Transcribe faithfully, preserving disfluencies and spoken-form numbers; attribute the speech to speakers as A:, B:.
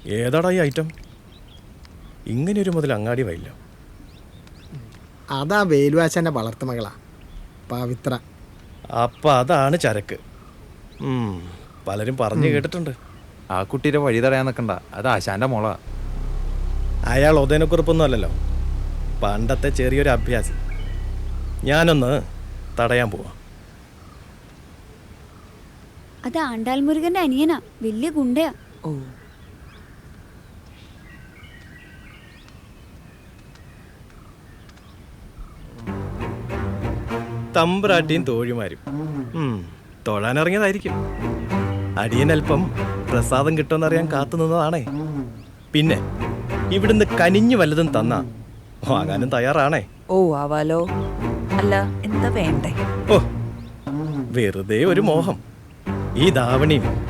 A: ഏതാടാ ഈ ഐറ്റം? ഇങ്ങനെയൊരു മുതൽ അങ്ങാടി വയില്ല.
B: അതാ വേലുവാച്ചൻ്റെ വളർത്തുമകളാ പവിത്ര.
A: അപ്പം അതാണ് ചരക്ക്. പലരും പറഞ്ഞു കേട്ടിട്ടുണ്ട്.
C: ആ കുട്ടീരെ വഴി തടയാൻ നിൽക്കണ്ട, അത് ആശാന്റെ മോളാ.
A: അയാൾ ഉദയനക്കുറിപ്പൊന്നും അല്ലല്ലോ, പണ്ടത്തെ ചെറിയൊരു അഭ്യാസി. ഞാനൊന്ന് തടയാൻ പോവാം.
D: അത് ആണ്ടാൽ മുരുകന്റെ അനിയനാ, വലിയ ഗുണ്ടയാ.
E: ഓ
A: തമ്പ്രാട്ടിയും തോഴിമാരും തൊഴാനിറങ്ങിയതായിരിക്കും. അടിയനൽപ്പം പ്രസാദം കിട്ടുമെന്നറിയാൻ കാത്തു നിന്നതാണേ. പിന്നെ ഇവിടുന്ന് കനിഞ്ഞു വല്ലതും തന്നാ വാങ്ങാനും തയ്യാറാണേ.
E: ഓ ആവാലോ. അല്ല എന്താ വേണ്ടേ?
A: ഓ വെറുതെ ഒരു മോഹം. ഈ ധാവണിയും